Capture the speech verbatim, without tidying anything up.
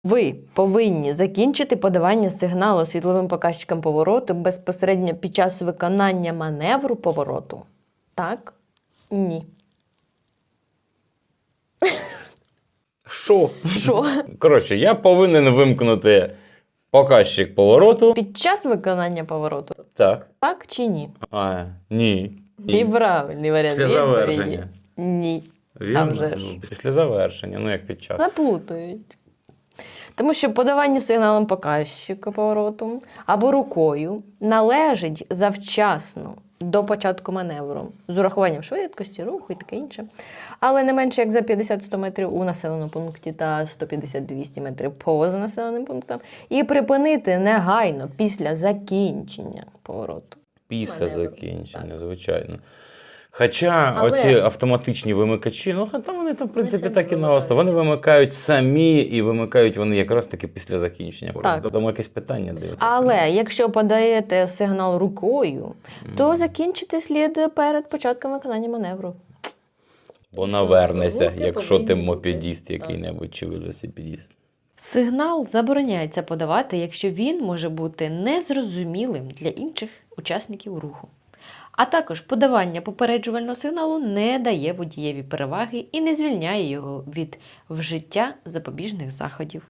Ви повинні закінчити подавання сигналу світловим показчиком повороту безпосередньо під час виконання маневру повороту. Так? Ні. Що? Що? Коротше, я повинен вимкнути показчик повороту. Під час виконання повороту. Так. Так чи ні? А, ні. І правильний варіант Після відповіді. завершення. Ні. Вірно? А вже ж. Ну, після завершення, ну як під час. Заплутують. Тому що подавання сигналом показчика повороту або рукою належить завчасно до початку маневру з урахуванням швидкості, руху і таке інше. Але не менше як за п'ятдесят-сто метрів у населеному пункті та сто п'ятдесят-двісті метрів поза населеним пунктом. І припинити негайно після закінчення повороту. Після Маневру. закінчення, звичайно. Хоча Але- оці автоматичні вимикачі, ну там вони там, в принципі, самі так і вимикають. наосто. Вони вимикають самі і вимикають вони якраз таки після закінчення. Так. Тому якесь питання дивиться. Але якщо подаєте сигнал рукою, то закінчити слід перед початком виконання маневру. Бо навернеся, Руки якщо ти повинні бути. мопедіст Так. який-небудь чи велосипедіст. Сигнал забороняється подавати, якщо він може бути незрозумілим для інших учасників руху. А також подавання попереджувального сигналу не дає водієві переваги і не звільняє його від вжиття запобіжних заходів.